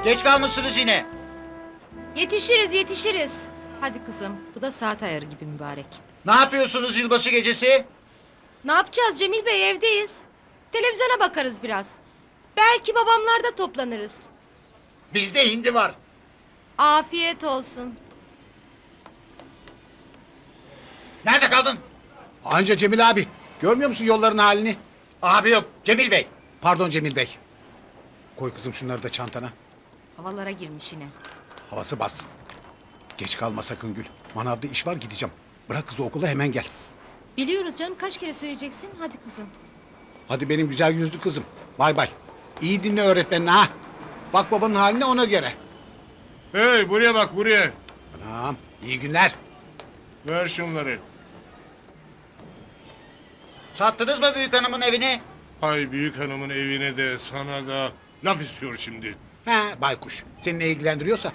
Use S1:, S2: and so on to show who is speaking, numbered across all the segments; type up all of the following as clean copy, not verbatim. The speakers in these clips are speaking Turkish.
S1: Geç kalmışsınız yine.
S2: Yetişiriz yetişiriz. Hadi kızım, bu da saat ayarı gibi mübarek.
S1: Ne yapıyorsunuz yılbaşı gecesi?
S2: Ne yapacağız Cemil Bey, evdeyiz. Televizyona bakarız biraz. Belki babamlarda toplanırız.
S1: Bizde hindi var.
S2: Afiyet olsun.
S1: Nerede kaldın?
S3: Anca Cemil abi. Görmüyor musun yolların halini?
S1: Abi yok, Cemil Bey.
S3: Pardon Cemil Bey. Koy kızım şunları da çantana.
S2: Havalara girmiş yine.
S3: Havası bas. Geç kalma sakın Gül. Manavda iş var gideceğim. Bırak kızı okula hemen gel.
S2: Biliyoruz canım, kaç kere söyleyeceksin? Hadi kızım.
S3: Hadi benim güzel yüzlü kızım. Bay bay. İyi dinle öğretmenini ha. Bak babanın haline ona göre.
S4: Hey buraya bak buraya.
S3: Tamam. İyi günler.
S4: Ver şunları.
S1: Sattınız mı büyük hanımın evini?
S4: Hay büyük hanımın evine de sana da laf istiyor şimdi.
S3: He baykuş. Seni ne ilgilendiriyorsa.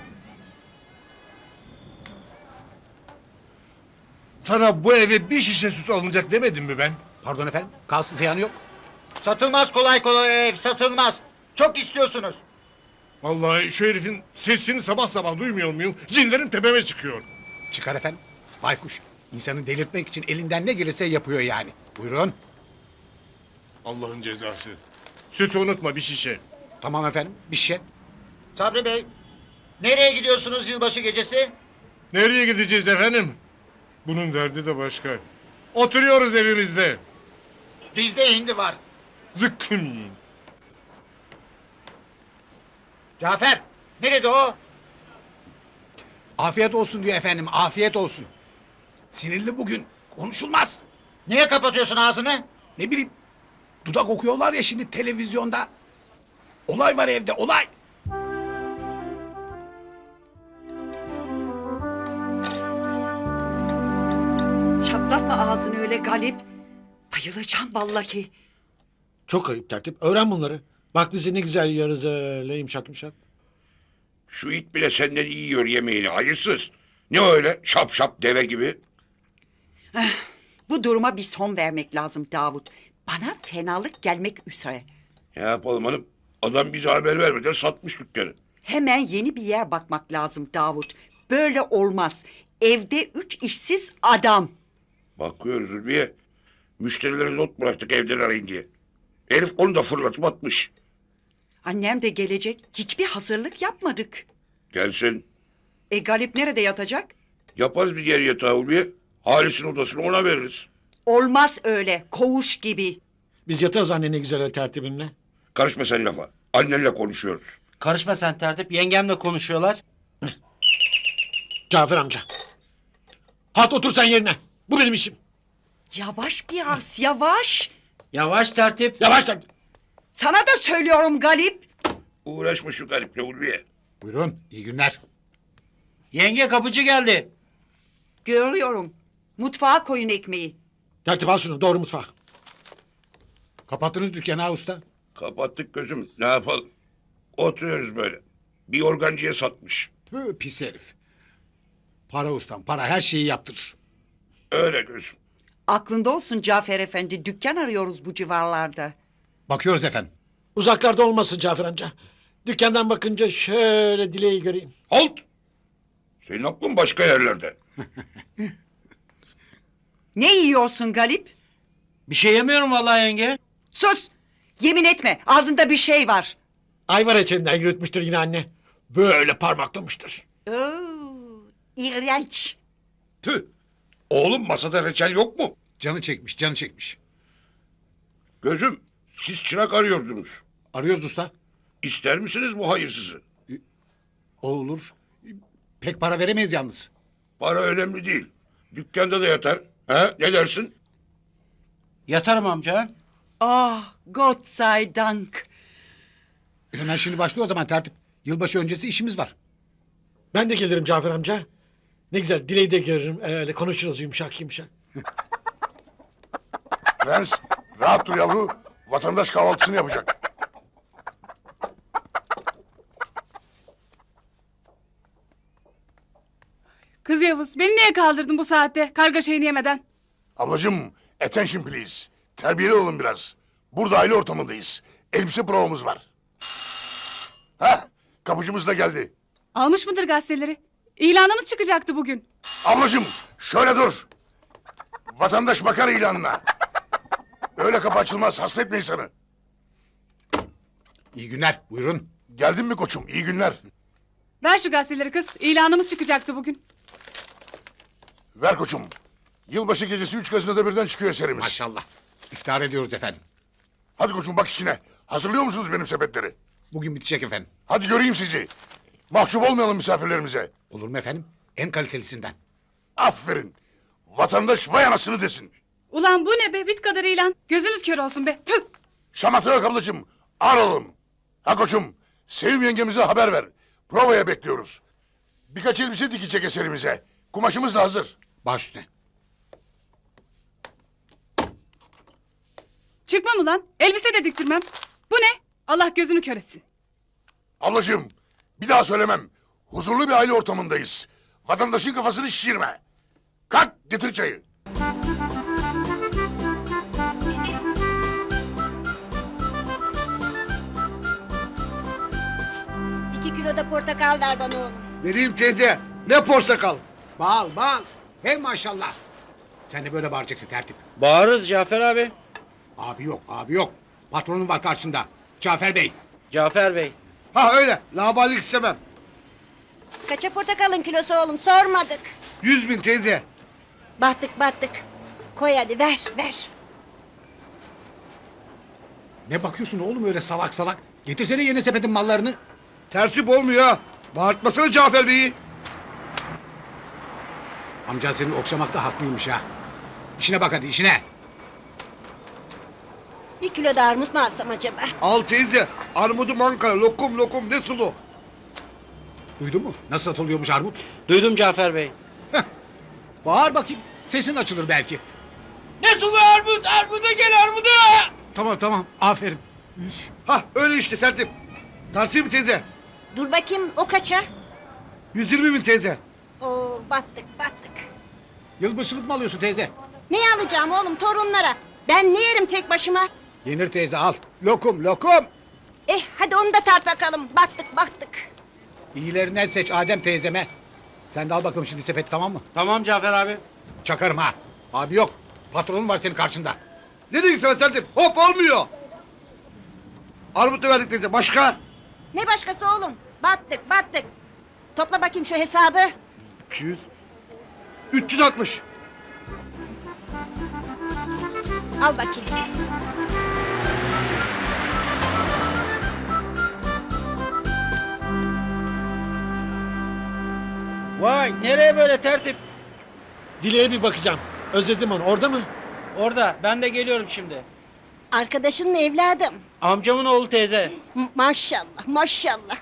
S4: Sana bu eve bir şişe süt alınacak demedim mi ben?
S3: Pardon efendim. Kalsın ziyanı yok.
S1: Satılmaz kolay kolay ev, satılmaz. Çok istiyorsunuz.
S4: Vallahi şu herifin sesini sabah sabah duymuyor muyum? Cinlerim tepeme çıkıyor.
S3: Çıkar efendim. Baykuş. İnsanı delirtmek için elinden ne gelirse yapıyor yani. Buyurun.
S4: Allah'ın cezası. Sütü unutma bir şişe.
S3: Tamam efendim. Bir şey.
S1: Sabri Bey, nereye gidiyorsunuz yılbaşı gecesi?
S4: Nereye gideceğiz efendim? Bunun derdi de başka. Oturuyoruz evimizde.
S1: Bizde hindi var.
S4: Zıkkım.
S1: Cafer, nerede o?
S3: Afiyet olsun diyor efendim. Afiyet olsun. Sinirli bugün. Konuşulmaz.
S1: Niye kapatıyorsun ağzını?
S3: Ne bileyim. Dudak okuyorlar ya şimdi televizyonda. Olay var evde olay.
S5: Çatlatma ağzını öyle Galip. Bayılacağım vallahi.
S6: Çok ayıp tertip. Öğren bunları. Bak bizi ne güzel yiyoruz öyle yumuşak yumuşak.
S7: Şu it bile senden iyi yiyor yemeğini hayırsız. Ne öyle şap şap deve gibi?
S5: Bu duruma bir son vermek lazım Davut. Bana fenalık gelmek üzere.
S7: Ne yapalım hanım? Adam bize haber vermeden satmış dükkanı.
S5: Hemen yeni bir yer bakmak lazım Davut. Böyle olmaz. Evde 3 işsiz adam.
S7: Bakıyoruz Zülfiye. Müşterilere not bıraktık evden arayın diye. Herif onu da fırlatıp atmış.
S5: Annem de gelecek. Hiçbir hazırlık yapmadık.
S7: Gelsin.
S5: Galip nerede yatacak?
S7: Yaparız bir yer yatağı Ulviye. Halis'in odasını ona veririz.
S5: Olmaz öyle. Koğuş gibi.
S6: Biz yatarız anne ne güzel tertibinle.
S7: Karışma sen lafa. Annenle konuşuyoruz.
S8: Karışma sen tertip. Yengemle konuşuyorlar.
S6: Cafer amca. Hat otur sen yerine. Bu benim işim.
S5: Yavaş biraz yavaş.
S8: Yavaş tertip.
S6: Yavaş tertip.
S5: Sana da söylüyorum Galip.
S7: Uğraşma şu gariple Ulviye.
S3: Buyurun. İyi günler.
S8: Yenge kapıcı geldi.
S5: Görüyorum. Mutfağa koyun ekmeği.
S6: Tertip al şunu doğru mutfağa.
S3: Kapattınız dükkanı ha usta.
S7: Kapattık gözüm. Ne yapalım? Oturuyoruz böyle. Bir organcıya satmış.
S3: Tüh, pis herif. Para ustam para her şeyi yaptırır.
S7: Öyle gözüm.
S5: Aklında olsun Cafer Efendi. Dükkan arıyoruz bu civarlarda.
S3: Bakıyoruz efendim.
S6: Uzaklarda olmasın Cafer amca. Dükkandan bakınca şöyle dileği göreyim.
S7: Halt! Senin aklın başka yerlerde.
S5: Ne yiyorsun Galip?
S8: Bir şey yemiyorum vallahi yenge.
S5: Sus! Yemin etme. Ağzında bir şey var.
S6: Ayvar reçelinden yürütmüştür yine anne. Böyle parmaklamıştır.
S5: Oo, iğrenç.
S7: Tüh! Oğlum masada reçel yok mu?
S3: Canı çekmiş canı çekmiş.
S7: Gözüm, siz çırak arıyordunuz.
S3: Arıyoruz usta.
S7: İster misiniz bu hayırsızı?
S3: O olur. Pek para veremeyiz yalnız.
S7: Para önemli değil. Dükkanda da yatar. Ha? Ne dersin?
S8: Yatarım amca.
S5: Ah, Gott sei Dank.
S3: Hemen şimdi başlıyor o zaman tertip. Yılbaşı öncesi işimiz var.
S6: Ben de gelirim Cafer amca. Ne güzel dileği de görürüm. Öyle konuşuruz yumuşak yumuşak.
S9: Prens, rahat dur yavru. Vatandaş kahvaltısını yapacak.
S10: Kız Yavuz, beni niye kaldırdın bu saatte karga şeyini yemeden?
S9: Ablacığım, attention please. Terbiyeli olun biraz. Burada aile ortamındayız. Elbise provamız var. Hah, Kapıcımız da geldi.
S10: Almış mıdır gazeteleri? İlanımız çıkacaktı bugün.
S9: Ablacığım şöyle dur. Vatandaş bakar ilanına. Öyle kapı açılmaz, hasta etme insanı.
S3: İyi günler. Buyurun.
S9: Geldin mi koçum? İyi günler.
S10: Ver şu gazeteleri kız. İlanımız çıkacaktı bugün.
S9: Ver koçum. Yılbaşı gecesi 3 gazetede birden çıkıyor eserimiz.
S3: Maşallah. İftar ediyoruz efendim.
S9: Hadi koçum bak işine. Hazırlıyor musunuz benim sepetleri?
S3: Bugün bitecek efendim.
S9: Hadi göreyim sizi. Mahcup olmayalım misafirlerimize.
S3: Olur mu efendim? En kalitelisinden.
S9: Aferin. Vatandaş vay anasını desin.
S10: Ulan bu ne be? Bit kadar ilan. Gözünüz kör olsun be. Tüh!
S9: Şamata yok ablacığım. Aralım. Ha koçum. Sevim yengemize haber ver. Provaya bekliyoruz. Birkaç elbise dikecek eserimize. Kumaşımız da hazır.
S3: Baş üstüne.
S10: Çıkmam ulan. Elbise de diktirmem. Bu ne? Allah gözünü kör etsin.
S9: Ablacığım bir daha söylemem. Huzurlu bir aile ortamındayız. Vatandaşın kafasını şişirme. Kalk getir çayı.
S2: İki kilo da portakal ver bana oğlum.
S3: Vereyim teyze. Ne portakal? Bal bal. Hey maşallah. Sen de böyle bağıracaksın tertip.
S8: Bağırırız Cafer abi.
S3: Abi yok abi yok. Patronun var karşında. Cafer Bey.
S8: Cafer Bey.
S3: Ha öyle. Laballik istemem.
S2: Kaça portakalın kilosu oğlum sormadık.
S3: 100.000 teyze.
S2: Battık. Koy hadi ver.
S3: Ne bakıyorsun oğlum öyle salak salak? Getirsene yeni sepetin mallarını. Tertip olmuyor ha. Bağırtmasana Cafer Bey'i. Amca seni okşamakta haklıymış ha. İşine bak hadi işine.
S2: Bir kilo da armut mu alsam acaba?
S3: Al teyze. Armudu manka. Lokum ne sulu. Duydun mu? Nasıl satılıyormuş armut?
S8: Duydum Cafer Bey.
S3: Bağır bakayım. Sesin açılır belki.
S8: Ne sulu armut? Armuda gel armuda.
S3: Tamam. Aferin. Ha öyle işte tertip. Tartayım mı teyze?
S2: Dur bakayım o kaça?
S3: 120.000 teyze.
S2: Oo battık.
S3: Yılbaşılık mı alıyorsun teyze?
S2: Ne alacağım oğlum torunlara? Ben ne yerim tek başıma?
S3: Yenir teyze al. Lokum.
S2: Hadi onu da tart bakalım. Battık.
S3: İyilerinden seç Adem teyzeme. Sen de al bakalım şimdi sepeti tamam mı?
S8: Tamam Cafer abi.
S3: Çakarım ha. Abi yok. Patronun var senin karşında.
S11: Ne diyorsun sen tertip? Hop olmuyor. Armut da verdik teyze. Başka?
S2: Ne başkası oğlum? Battık. Topla bakayım şu hesabı.
S11: 200. 360.
S2: Al bakayım.
S8: Vay nereye böyle tertip?
S6: Dileğe bir bakacağım. Özledim onu. Orada mı?
S8: Orada ben de geliyorum şimdi.
S2: Arkadaşın mı evladım?
S8: Amcamın oğlu teyze.
S2: Maşallah.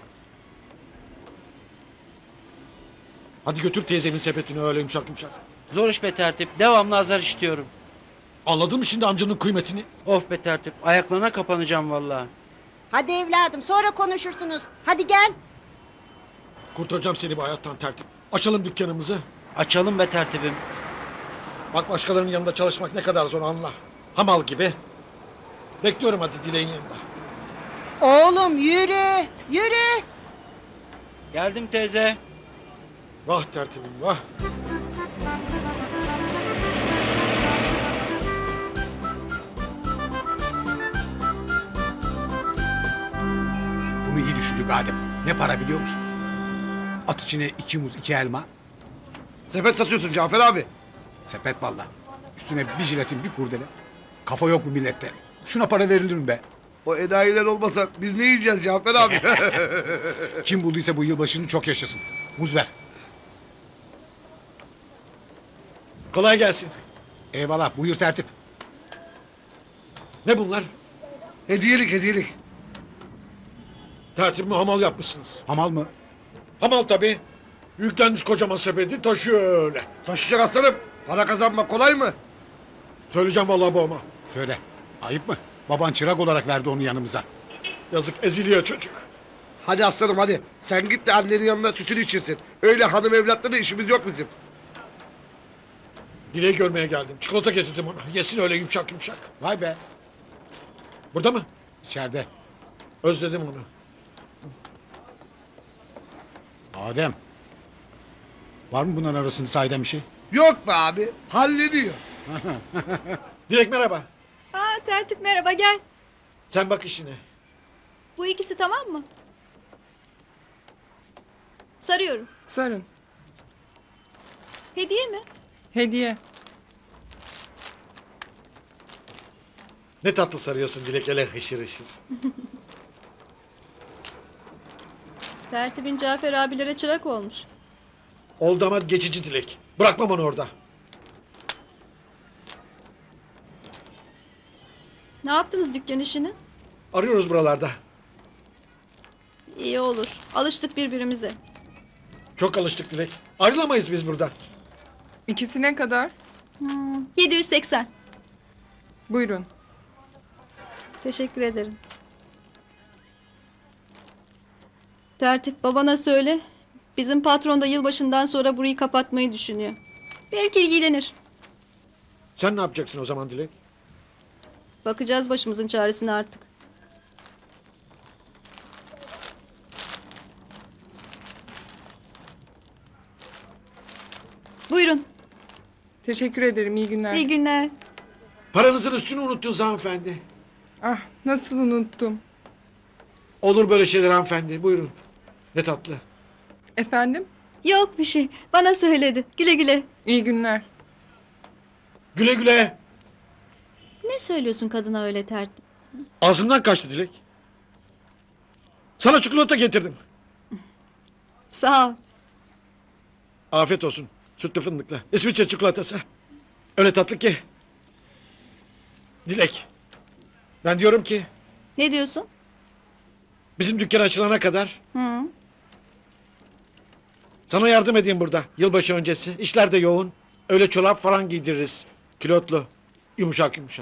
S6: Hadi götür teyzemin sepetini öyle yumuşak.
S8: Zor iş be tertip. Devamlı azar işliyorum.
S6: Anladın mı şimdi amcanın kıymetini?
S8: Of be tertip. Ayaklarına kapanacağım vallahi.
S2: Hadi evladım sonra konuşursunuz. Hadi gel.
S6: Kurtaracağım seni bu hayattan tertip. Açalım dükkanımızı.
S8: Açalım be tertibim.
S6: Bak başkalarının yanında çalışmak ne kadar zor anla. Hamal gibi. Bekliyorum hadi Dileğin yanında.
S2: Oğlum yürü.
S8: Geldim teyze.
S6: Vah tertibim vah.
S3: Bunu iyi düşündük Adem. Ne para biliyor musun? At içine 2 muz 2 elma.
S11: Sepet satıyorsun Cafer abi.
S3: Sepet valla. Üstüne bir jiletin bir kurdele. Kafa yok bu millette. Şuna para verilir mi be?
S11: O enayiler olmasa biz ne yiyeceğiz Cafer abi?
S3: Kim bulduysa bu yılbaşını çok yaşasın. Muz ver.
S6: Kolay gelsin.
S3: Eyvallah buyur tertip.
S6: Ne bunlar?
S11: Hediyelik.
S6: Tertibimi hamal yapmışsınız.
S3: Hamal mı?
S6: Hamal tabii. Yüklenmiş kocaman sepeti taşıyor öyle.
S11: Taşıyacak aslanım. Para kazanmak kolay mı?
S6: Söyleyeceğim vallahi babama.
S3: Söyle. Ayıp mı? Baban çırak olarak verdi onu yanımıza.
S6: Yazık eziliyor çocuk.
S11: Hadi aslanım hadi. Sen git de annenin yanına sütünü içirsin. Öyle hanım evlatla da işimiz yok bizim.
S6: Dileği görmeye geldim. Çikolata getirdim ona. Yesin öyle yumuşak.
S3: Vay be.
S6: Burada mı?
S3: İçeride.
S6: Özledim onu.
S3: Adem. Var mı bunların arasında sahiden bir şey?
S11: Yok be abi. Hallediyor.
S6: Dilek merhaba.
S2: Aa, Tertip merhaba gel.
S6: Sen bak işine.
S2: Bu ikisi tamam mı? Sarıyorum.
S10: Sarın.
S2: Hediye mi?
S10: Hediye.
S6: Ne tatlı sarıyorsun Dilek hele hışır hışır.
S2: Tertip'in Cafer abilere çırak olmuş.
S6: Oldu ama geçici Dilek. Bırakmam onu orada.
S2: Ne yaptınız dükkan işini?
S6: Arıyoruz buralarda.
S2: İyi olur. Alıştık birbirimize.
S6: Çok alıştık Dilek. Ayrılamayız biz buradan.
S10: İkisi ne kadar?
S2: 780.
S10: Buyurun.
S2: Teşekkür ederim. Tertip babana söyle. Bizim patron da yılbaşından sonra burayı kapatmayı düşünüyor. Belki ilgilenir.
S6: Sen ne yapacaksın o zaman Dilek?
S2: Bakacağız başımızın çaresine artık. Buyurun.
S10: Teşekkür ederim. İyi günler.
S2: İyi günler.
S6: Paranızın üstünü unuttunuz hanımefendi.
S10: Ah, nasıl unuttum.
S6: Olur böyle şeyler hanımefendi. Buyurun. Ne tatlı.
S10: Efendim?
S2: Yok bir şey. Bana söyledi. Güle güle.
S10: İyi günler.
S6: Güle güle.
S2: Ne söylüyorsun kadına öyle Tertip?
S6: Ağzımdan kaçtı Dilek. Sana çikolata getirdim.
S2: Sağ ol.
S6: Afiyet olsun. Sütlü fındıklı. İsviçre çikolatası. Öyle tatlı ki. Dilek. Ben diyorum ki
S2: Ne diyorsun?
S6: bizim dükkan açılana kadar
S2: Hı.
S6: sana yardım edeyim burada. Yılbaşı öncesi. İşler de yoğun. Öyle çorap falan giydiririz. Kilotlu. Yumuşak yumuşak.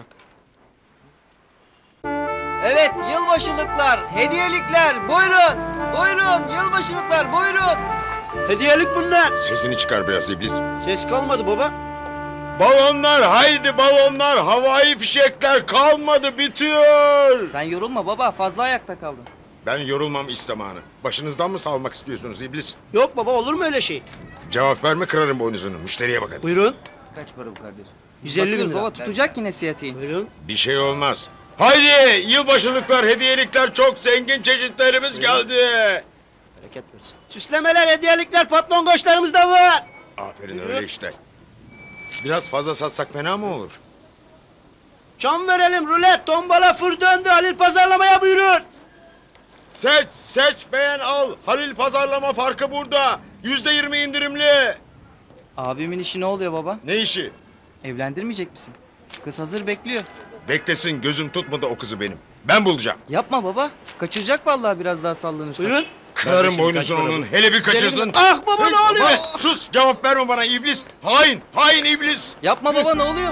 S8: Evet yılbaşılıklar, hediyelikler buyurun. Buyurun yılbaşılıklar buyurun. Hediyelik bunlar.
S9: Sesini çıkar biraz iblis.
S8: Ses kalmadı baba.
S4: Balonlar haydi balonlar. Havai fişekler kalmadı bitiyor.
S8: Sen yorulma baba fazla ayakta kaldın.
S9: Ben yorulmam istemanı. Başınızdan mı salmak istiyorsunuz iblis?
S8: Yok baba olur mu öyle şey?
S9: Cevap verme kırarım boynuzunu. Müşteriye bakın.
S8: Buyurun. Kaç para bu kardeş? 150 bin lira. Baba tutacak yine siyatiğin. Buyurun.
S9: Bir şey olmaz.
S4: Haydi yılbaşılıklar, hediyelikler çok zengin çeşitlerimiz geldi.
S8: Bereket versin. Süslemeler, hediyelikler, patron koçlarımız da var.
S9: Aferin öyle işte. Biraz fazla satsak fena mı olur?
S8: Çam verelim, rulet, tombala, fır döndü. Halil pazarlamaya buyurun.
S4: Seç beğen al. Halil pazarlama farkı burada. %20 indirimli.
S8: Abimin işi ne oluyor baba?
S4: Ne işi?
S8: Evlendirmeyecek misin? Kız hazır bekliyor.
S9: Beklesin gözüm tutmadı o kızı benim. Ben bulacağım.
S8: Yapma baba. Kaçıracak vallahi biraz daha sallanırsa. Buyurun.
S9: Kırarım boynuzunu onun. Hele bir kaçırsın.
S8: Ah baba ne oluyor?
S4: Sus cevap verme bana iblis. Hain iblis.
S8: Yapma baba ne oluyor?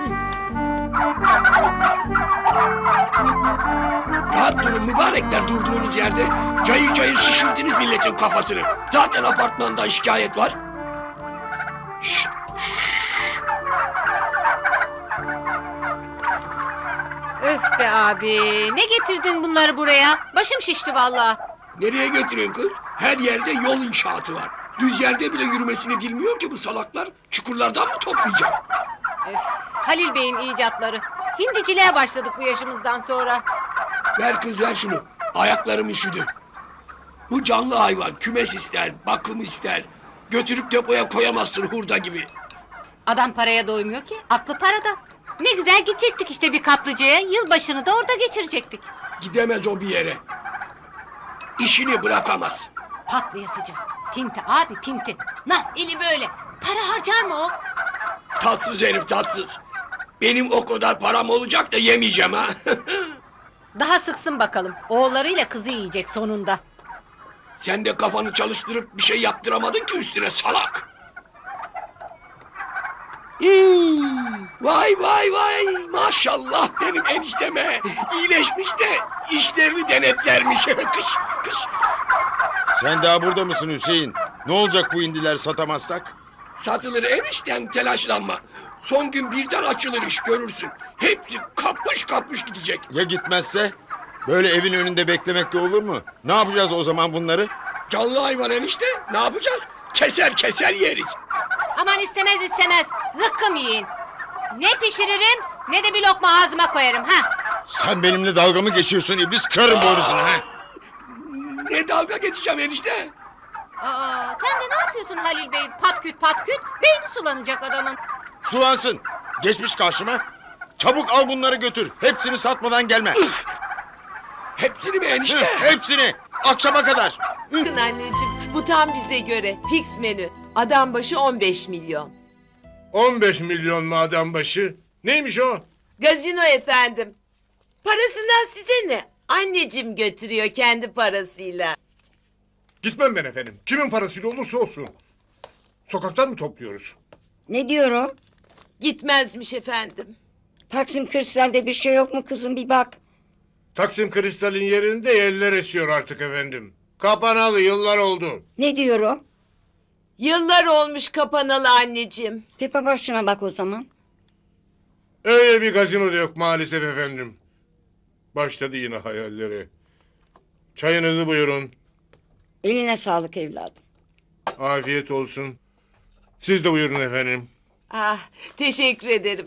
S11: Rahat durun mübarekler durduğunuz yerde. Cayır cayır şişirdiniz milletin kafasını. Zaten apartmanda şikayet var.
S2: Öf be abi. Ne getirdin bunları buraya? Başım şişti vallahi.
S11: Nereye götürüyorsun kız? Her yerde yol inşaatı var. Düz yerde bile yürümesini bilmiyor ki bu salaklar. Çukurlardan mı toplayacak?
S2: Halil Bey'in icatları. Hindiciliğe başladık bu yaşımızdan sonra.
S11: Ver kız ver şunu. Ayaklarım üşüdü. Bu canlı hayvan kümes ister, bakım ister. Götürüp depoya koyamazsın hurda gibi.
S2: Adam paraya doymuyor ki. Aklı parada. Ne güzel gidecektik işte bir kaplıcaya. Yılbaşını da orada geçirecektik.
S11: Gidemez o bir yere. İşini bırakamaz.
S2: Patlayasıca. Pinti abi pinti. Nah eli böyle. Para harcar mı o?
S11: Tatsız herif tatsız. Benim o kadar param olacak da yemeyeceğim ha.
S2: Daha sıksın bakalım. Oğullarıyla kızı yiyecek sonunda.
S11: Sen de kafanı çalıştırıp bir şey yaptıramadın ki üstüne salak. Vay vay vay maşallah benim enişteme. İyileşmiş de işlerini denetlermiş. kış.
S9: Sen daha burada mısın Hüseyin? Ne olacak bu indiler satamazsak?
S11: Satılır eniştem telaşlanma. Son gün birden açılır iş görürsün. Hepsi kapış kapış gidecek.
S9: Ya gitmezse? Böyle evin önünde beklemek de olur mu? Ne yapacağız o zaman bunları?
S11: Canlı hayvan enişte. Ne yapacağız? Keser keser yeriz.
S12: Aman istemez istemez. Zıkkım yiyin. Ne pişiririm ne de bir lokma ağzıma koyarım ha.
S3: Sen benimle dalga mı geçiyorsun iblis? Kırarım boynuzunu ha.
S11: Ne dalga geçeceğim enişte?
S12: Aa, sen de ne yapıyorsun Halil Bey? Patküt patküt. Beyni sulanacak adamın.
S3: Sulansın. Geçmiş karşıma. Çabuk al bunları götür. Hepsini satmadan gelme.
S11: Hepsini mi enişte?
S3: Hepsini. Akşama kadar.
S13: Bakın anneciğim bu tam bize göre. Fix menü. Adam başı 15 milyon.
S4: 15 milyon mu adam başı? Neymiş o?
S13: Gazino efendim. Parasından size ne? Anneciğim götürüyor kendi parasıyla.
S4: Gitmem ben efendim. Kimin parasıyla olursa olsun. Sokaktan mı topluyoruz?
S5: Ne diyor o?
S13: Gitmezmiş efendim.
S5: Taksim Kristal'de bir şey yok mu kızım bir bak.
S4: Taksim Kristal'in yerinde yeller esiyor artık efendim. Kapanalı yıllar oldu.
S5: Ne diyor o?
S13: Yıllar olmuş kapanalı anneciğim.
S5: Tepe başına bak o zaman.
S4: Öyle bir gazino da yok maalesef efendim. Başladı yine hayalleri. Çayınızı buyurun.
S5: Eline sağlık evladım.
S4: Afiyet olsun. Siz de buyurun efendim.
S13: Ah teşekkür ederim.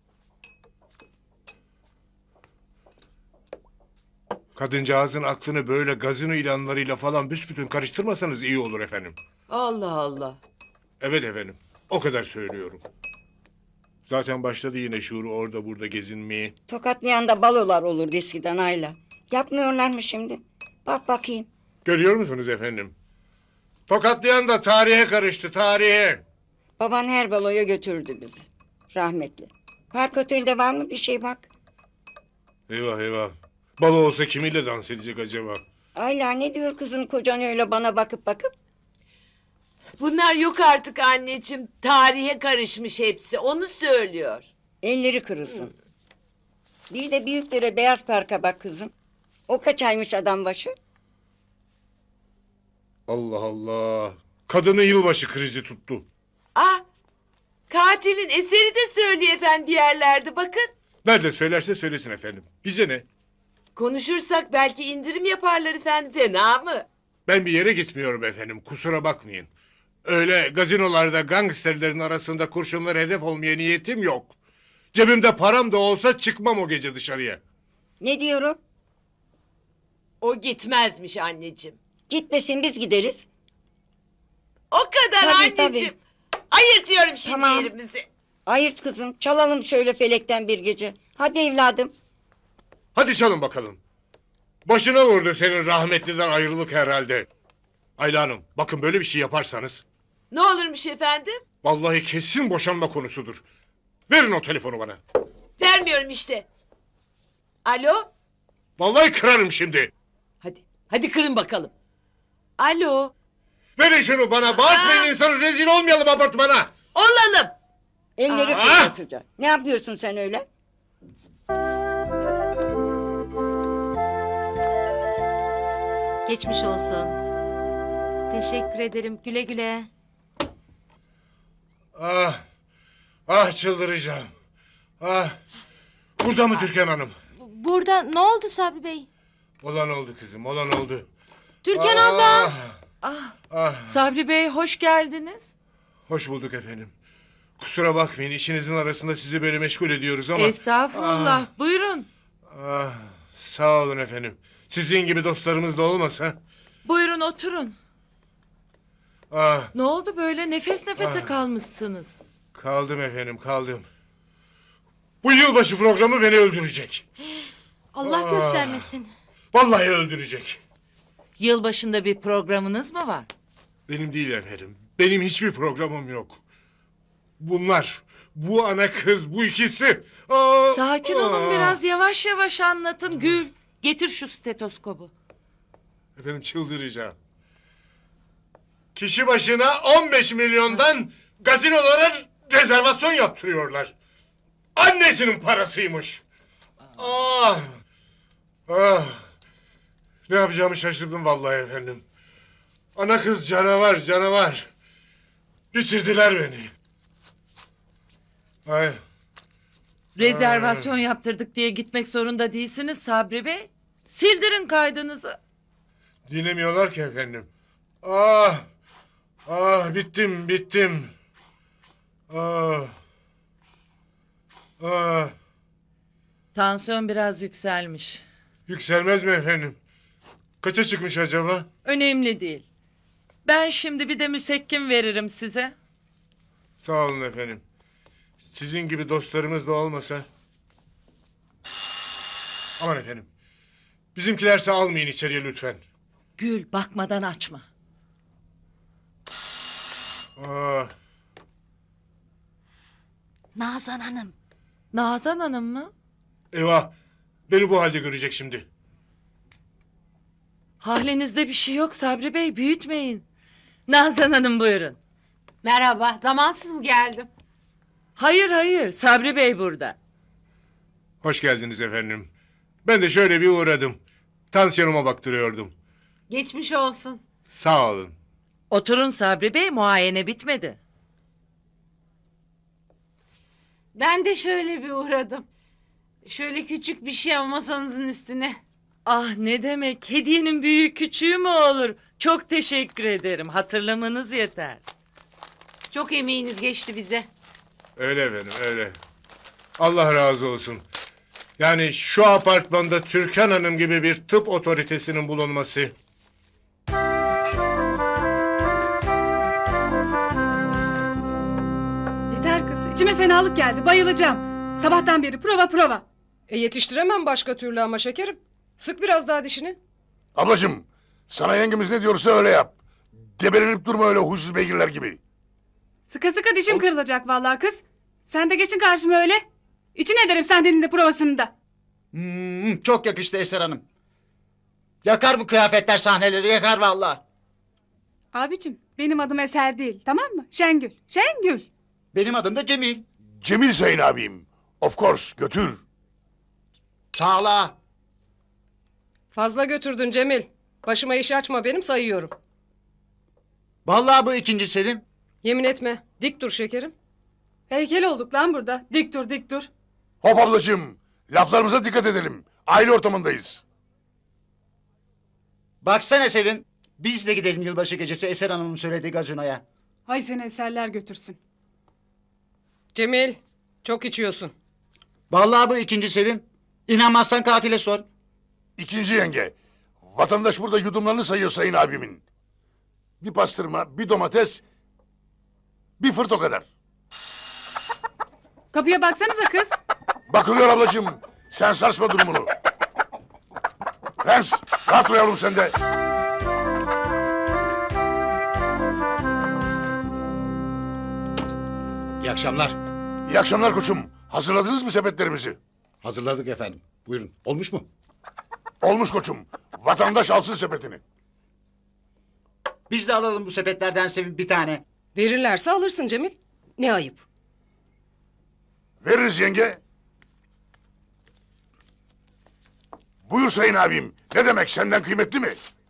S4: Kadıncağızın aklını böyle gazino ilanlarıyla falan büsbütün karıştırmasanız iyi olur efendim.
S13: Allah Allah.
S4: Evet efendim. O kadar söylüyorum. Zaten başladı yine şuuru orada burada gezinmeye.
S5: Tokatlayan da balolar olurdu eskiden Ayla. Yapmıyorlar mı şimdi? Bak bakayım.
S4: Görüyor musunuz efendim? Tokatlayan da tarihe karıştı tarihe.
S5: Baban her baloya götürdü bizi. Rahmetli. Park Otel'de var mı bir şey bak.
S4: Eyvah eyvah. Balo olsa kimiyle dans edecek acaba?
S5: Ayla ne diyor kızım kocan öyle bana bakıp bakıp?
S13: Bunlar yok artık anneciğim. Tarihe karışmış hepsi. Onu söylüyor.
S5: Elleri kırılsın. Bir de Büyükdere Beyaz Park'a bak kızım. O kaç aymış adam başı?
S4: Allah Allah. Kadını yılbaşı krizi tuttu.
S13: Ah katilin eseri de söylüyor efendi yerlerde bakın.
S4: Nerede söylerse söylesin efendim. Bize ne?
S13: Konuşursak belki indirim yaparlar efendim. Fena mı?
S4: Ben bir yere gitmiyorum efendim. Kusura bakmayın. Öyle gazinolarda gangsterlerin arasında kurşunlara hedef olmaya niyetim yok. Cebimde param da olsa çıkmam o gece dışarıya.
S5: Ne diyor o?
S13: O gitmezmiş anneciğim.
S5: Gitmesin biz gideriz.
S13: O kadar
S5: Tabii,
S13: anneciğim. Ayırtıyorum şimdi
S5: Tamam.
S13: yerimizi.
S5: Ayırt kızım çalalım şöyle felekten bir gece. Hadi evladım.
S4: Hadi çalın bakalım. Başına vurdu senin rahmetliden ayrılık herhalde. Ayla Hanım bakın böyle bir şey yaparsanız...
S13: Ne olurmuş efendim?
S4: Vallahi kesin boşanma konusudur. Verin o telefonu bana.
S13: Vermiyorum işte. Alo?
S4: Vallahi kırarım şimdi.
S13: Hadi kırın bakalım. Alo?
S4: Verin şunu bana. Bağırtmayın insanı rezil olmayalım apartmana.
S13: Olalım.
S5: Elleri kırılsıca. Ne yapıyorsun sen öyle?
S12: Geçmiş olsun. Teşekkür ederim. Güle güle.
S4: Ah. Ah çıldıracağım. Ah. Burada mı Türkan Hanım?
S12: Burada ne oldu Sabri Bey?
S4: Olan oldu kızım. Olan oldu.
S12: Türkan
S4: Ah.
S12: abla.
S4: Ah.
S13: Sabri Bey hoş geldiniz.
S4: Hoş bulduk efendim. Kusura bakmayın işinizin arasında sizi böyle meşgul ediyoruz ama...
S13: Estağfurullah. Buyurun.
S4: Ah, sağ olun efendim. Sizin gibi dostlarımız da olmasa...
S13: Buyurun oturun.
S4: Ah,
S13: Ne oldu böyle nefes nefese kalmışsınız?
S4: kaldım efendim kaldım. Bu yılbaşı programı beni öldürecek.
S12: Allah göstermesin.
S4: Vallahi öldürecek.
S13: Yılbaşında bir programınız mı var?
S4: Benim değil efendim. Benim hiçbir programım yok. Bunlar, bu ana kız, bu ikisi.
S13: Sakin olun biraz yavaş yavaş anlatın Gül. Getir şu stetoskobu.
S4: Efendim çıldıracağım. Kişi başına 15 milyondan gazinolara rezervasyon yaptırıyorlar. Annesinin parasıymış. Ah! Ah! Ne yapacağımı şaşırdım vallahi efendim. Ana kız canavar, canavar. Bitirdiler beni. Ay.
S13: Rezervasyon yaptırdık diye gitmek zorunda değilsiniz Sabri Bey. Sildirin kaydınızı.
S4: Dinlemiyorlar ki efendim. Ah! Ah bittim bittim. Ah! Ah!
S13: Tansiyon biraz yükselmiş.
S4: Yükselmez mi efendim? Kaça çıkmış acaba?
S13: Önemli değil. Ben şimdi bir de müsekkim veririm size.
S4: Sağ olun efendim. Sizin gibi dostlarımız da olmasa. Aman efendim. Bizimkilerse almayın içeriye lütfen.
S13: Gül bakmadan açma.
S4: Ah!
S12: Nazan Hanım.
S13: Nazan Hanım mı?
S4: Eyvah! Beni bu halde görecek şimdi.
S13: Halinizde bir şey yok Sabri Bey, büyütmeyin. Nazan Hanım buyurun.
S12: Merhaba. Zamansız mı geldim?
S13: Hayır hayır, Sabri Bey burada.
S4: Hoş geldiniz efendim. Ben de şöyle bir uğradım. Tansiyonuma baktırıyordum.
S12: Geçmiş olsun.
S4: Sağ olun.
S13: Oturun Sabri Bey, muayene bitmedi.
S12: Ben de şöyle bir uğradım. Şöyle küçük bir şey ama masanızın üstüne.
S13: Ah ne demek, hediyenin büyüğü küçüğü mü olur? Çok teşekkür ederim, hatırlamanız yeter.
S12: Çok emeğiniz geçti bize.
S4: Öyle efendim öyle. Allah razı olsun. Yani şu apartmanda Türkan Hanım gibi bir tıp otoritesinin bulunması.
S10: Yeter kız. İçime fenalık geldi. Bayılacağım. Sabahtan beri prova.
S14: Yetiştiremem başka türlü ama şekerim. Sık biraz daha dişini.
S9: Ablacığım, sana yengemiz ne diyorsa öyle yap. Debelenip durma öyle huysuz beygirler gibi.
S10: Sıka sıka dişim kırılacak vallahi kız. Sen de geçin karşıma öyle. İçin ederim senden de provasını da.
S1: Çok yakıştı Eser Hanım. Yakar bu kıyafetler sahneleri, yakar vallahi.
S10: Abicim benim adım Eser değil, tamam mı? Şengül. Şengül.
S1: Benim adım da Cemil.
S9: Cemil Sayın abim. Of course, götür.
S1: Sağla.
S14: Fazla götürdün Cemil. Başıma iş açma benim, sayıyorum.
S1: Vallahi bu ikinci Sevim.
S14: Yemin etme. Dik dur şekerim.
S10: Heykel olduk lan burada. Dik dur dik dur.
S9: Hop ablacığım, laflarımıza dikkat edelim. Aile ortamındayız.
S1: Baksana Sevim. Biz de gidelim yılbaşı gecesi Eser Hanım'ın söylediği gazinoya.
S10: Hay seni eserler götürsün.
S14: Cemil, çok içiyorsun.
S1: Vallahi bu ikinci Sevim. İnanmazsan katile sor.
S9: İkinci yenge. Vatandaş burada yudumlarını sayıyor sayın abimin. Bir pastırma, bir domates, bir fırt o kadar.
S10: Kapıya baksanıza kız.
S9: Bakılıyor ablacığım. Sen sarsma durumunu. Prens, rahat dur yavrum sen de.
S3: İyi akşamlar.
S9: İyi akşamlar koçum. Hazırladınız mı sepetlerimizi?
S3: Hazırladık efendim. Buyurun. Olmuş mu?
S9: Olmuş koçum. Vatandaş alsın sepetini.
S1: Biz de alalım bu sepetlerden Sevim bir tane.
S14: Verirlerse alırsın Cemil. Ne ayıp.
S9: Veririz yenge. Buyur sayın abim. Ne demek, senden kıymetli mi?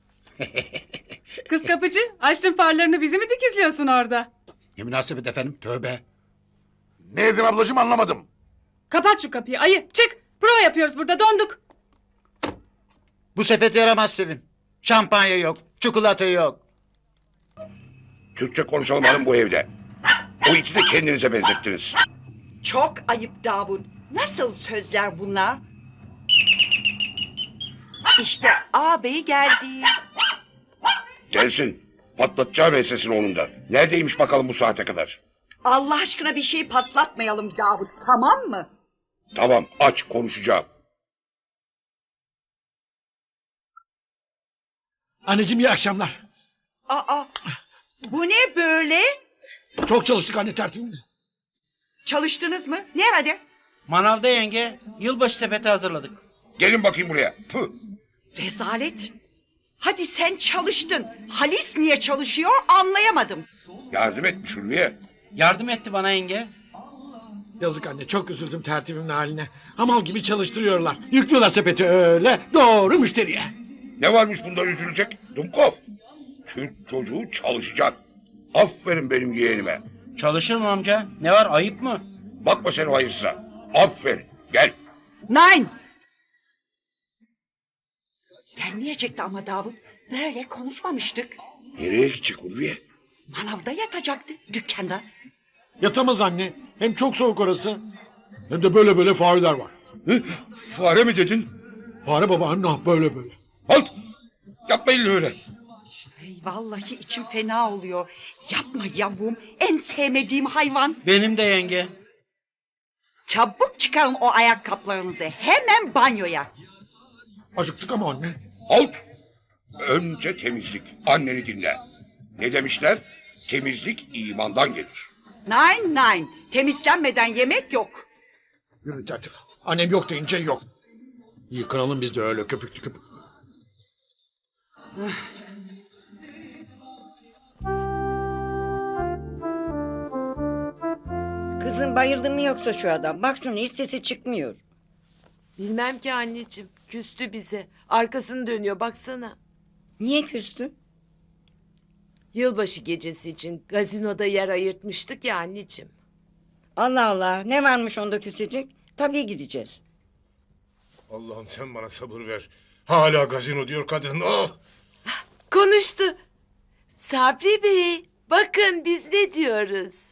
S10: Kız kapıcı, açtın farlarını, bizi mi dikizliyorsun orada?
S3: Ne münasebet efendim. Tövbe.
S9: Ne dedim ablacığım, anlamadım.
S10: Kapat şu kapıyı ayı, çık. Prova yapıyoruz burada, donduk.
S1: Bu sepet yaramaz Sevim. Şampanya yok, çikolata yok.
S7: Türkçe konuşalım hanım bu evde. O iti de kendinize benzettiniz.
S5: Çok ayıp Davut. Nasıl sözler bunlar? İşte ağabey geldi.
S7: Gelsin. Patlatacağım ensesini onun da. Neredeymiş bakalım bu saate kadar?
S5: Allah aşkına bir şey patlatmayalım Davut, tamam mı?
S7: Tamam, aç konuşacağım.
S6: Anneciğim iyi akşamlar.
S5: Aa, bu ne böyle?
S6: Çok çalıştık anne, tertibim.
S5: Çalıştınız mı? Nerede?
S8: Manavda yenge. Yılbaşı sepeti hazırladık.
S7: Gelin bakayım buraya. Püh.
S5: Rezalet. Hadi sen çalıştın. Halis niye çalışıyor anlayamadım.
S7: Yardım etmiş Ulviye.
S8: Yardım etti bana yenge.
S6: Yazık anne, çok üzüldüm tertibimin haline. Hamal gibi çalıştırıyorlar. Yüklüyorlar sepeti öyle doğru müşteriye.
S7: Ne varmış bunda üzülecek? Dumkov. Türk çocuğu çalışacak. Aferin benim yeğenime.
S8: Çalışır mı amca? Ne var, ayıp mı?
S7: Bakma sen o hayırsıza. Aferin. Gel.
S5: Nein. Gelmeyecekti ama Davut. Böyle konuşmamıştık.
S7: Nereye gidecek Ulviye?
S5: Manavda yatacaktı dükkanda.
S6: Yatamaz anne. Hem çok soğuk orası. Hem de böyle böyle fareler var.
S7: Hı? Fare mi dedin?
S6: Fare baba anne böyle böyle.
S7: Halt! Yapmayın öyle.
S5: Ay, vallahi içim fena oluyor. Yapma yavrum. En sevmediğim hayvan.
S8: Benim de yenge.
S5: Çabuk çıkarın o ayakkabılarınızı. Hemen banyoya.
S6: Acıktık ama anne.
S7: Halt! Önce temizlik. Anneni dinle. Ne demişler? Temizlik imandan gelir.
S5: Nine. Temizlenmeden yemek yok.
S6: Yürü tertip. Annem yok deyince yok. Yıkanalım biz de öyle köpüklü köpüklü.
S15: Kızım bayıldı mı yoksa şu adam? Bak şunu hiç sesi çıkmıyor.
S13: Bilmem ki anneciğim. Küstü bize. Arkasını dönüyor baksana.
S15: Niye küstü?
S13: Yılbaşı gecesi için gazinoda yer ayırtmıştık ya anneciğim.
S15: Allah Allah ne varmış onda küsecek? Tabii gideceğiz.
S4: Allah'ım sen bana sabır ver. Hala gazino diyor kadın. Oh!
S13: Konuştu. Sabri Bey bakın biz ne diyoruz.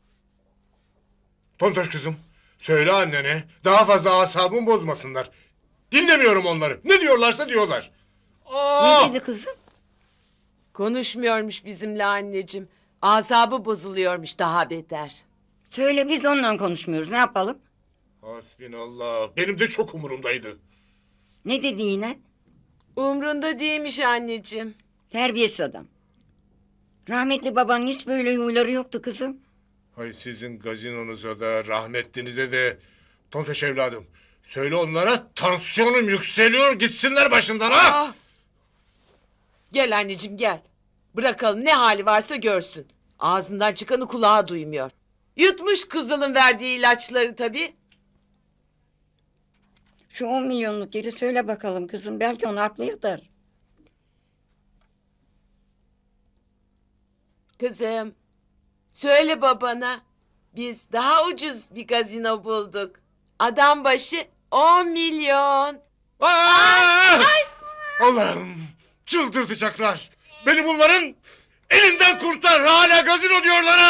S4: Tontoş kızım, söyle annene daha fazla asabımı bozmasınlar. Dinlemiyorum onları. Ne diyorlarsa diyorlar.
S15: Ne dedi kızım?
S13: Konuşmuyormuş bizimle anneciğim. Asabı bozuluyormuş daha beter.
S15: Söyle biz de onunla konuşmuyoruz ne yapalım?
S4: Hasbinallah. Benim de çok umurumdaydı.
S15: Ne dedi yine?
S13: Umrunda değilmiş anneciğim.
S15: Terbiyesiz adam. Rahmetli babanın hiç böyle huyları yoktu kızım.
S4: Hay sizin gazinonuza da rahmetlinize de Tontoş evladım. Söyle onlara tansiyonum yükseliyor gitsinler başımdan ha.
S13: Ah! Gel anneciğim gel. Bırakalım ne hali varsa görsün. Ağzından çıkanı kulağı duymuyor. Yutmuş kızılın verdiği ilaçları tabii.
S15: Şu 10 milyonluk yeri söyle bakalım kızım. Belki onu aklı yatar.
S13: Kızım söyle babana. Biz daha ucuz bir gazino bulduk. Adam başı 10 milyon.
S4: Ay! Allah'ım çıldırtacaklar. Beni bunların elinden kurtar. Hala gazino diyorlar